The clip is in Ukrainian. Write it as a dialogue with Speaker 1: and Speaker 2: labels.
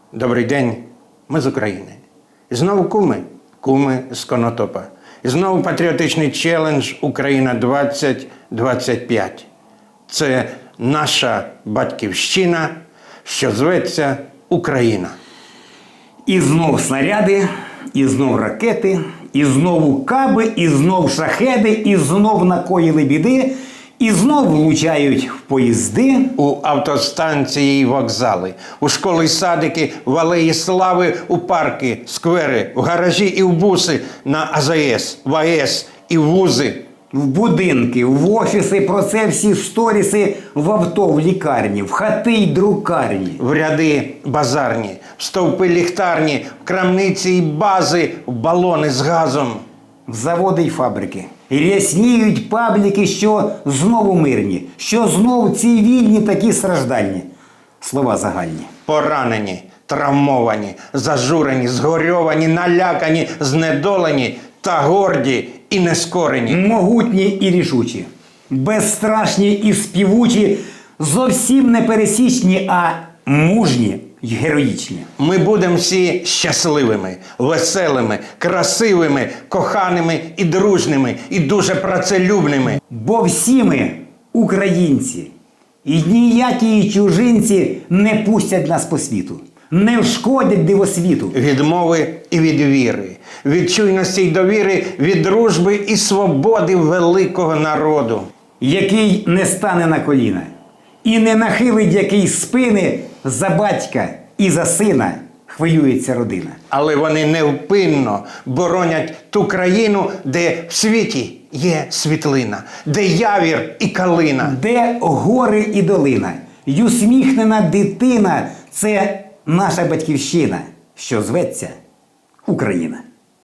Speaker 1: Добрий день, ми з України. І знову куми з Конотопа. І знову патріотичний челендж «Україна 2025». Це наша батьківщина, що зветься Україна.
Speaker 2: І знов снаряди, і знов ракети, і знову каби, і знов шахеди, і знов накоїли біди, і знов влучають в поїзди.
Speaker 1: У автостанції і вокзали, у школи і садики, в алеї слави, у парки, сквери, в гаражі і в буси, на АЗС, в АЕС і в вузи.
Speaker 2: В будинки, в офіси, про це всі сторіси, в авто, в лікарні, в хати й друкарні.
Speaker 1: В ряди базарні, в стовпи ліхтарні, в крамниці і бази, в балони з газом.
Speaker 2: В заводи й фабрики. І рясніють пабліки, що знову мирні, що знов цивільні такі страждальні. Слова загальні.
Speaker 1: Поранені, травмовані, зажурені, згорьовані, налякані, знедолені та горді і нескорені.
Speaker 2: Могутні і рішучі, безстрашні і співучі, зовсім не пересічні, а мужні й героїчні.
Speaker 1: Ми будемо всі щасливими, веселими, красивими, коханими і дружними, і дуже працелюбними.
Speaker 2: Бо всі ми українці, і ніякі чужинці не пустять нас по світу, не вшкодять дивосвіту.
Speaker 1: Від мови і від віри, від чуйності й довіри, від дружби і свободи великого народу.
Speaker 2: Який не стане на коліна, і не нахилить який спини, за батька і за сина хвилюється родина.
Speaker 1: Але вони невпинно боронять ту країну, де в світі є світлина, де явір і калина.
Speaker 2: Де гори і долина, й усміхнена дитина – це наша батьківщина, що зветься Україна.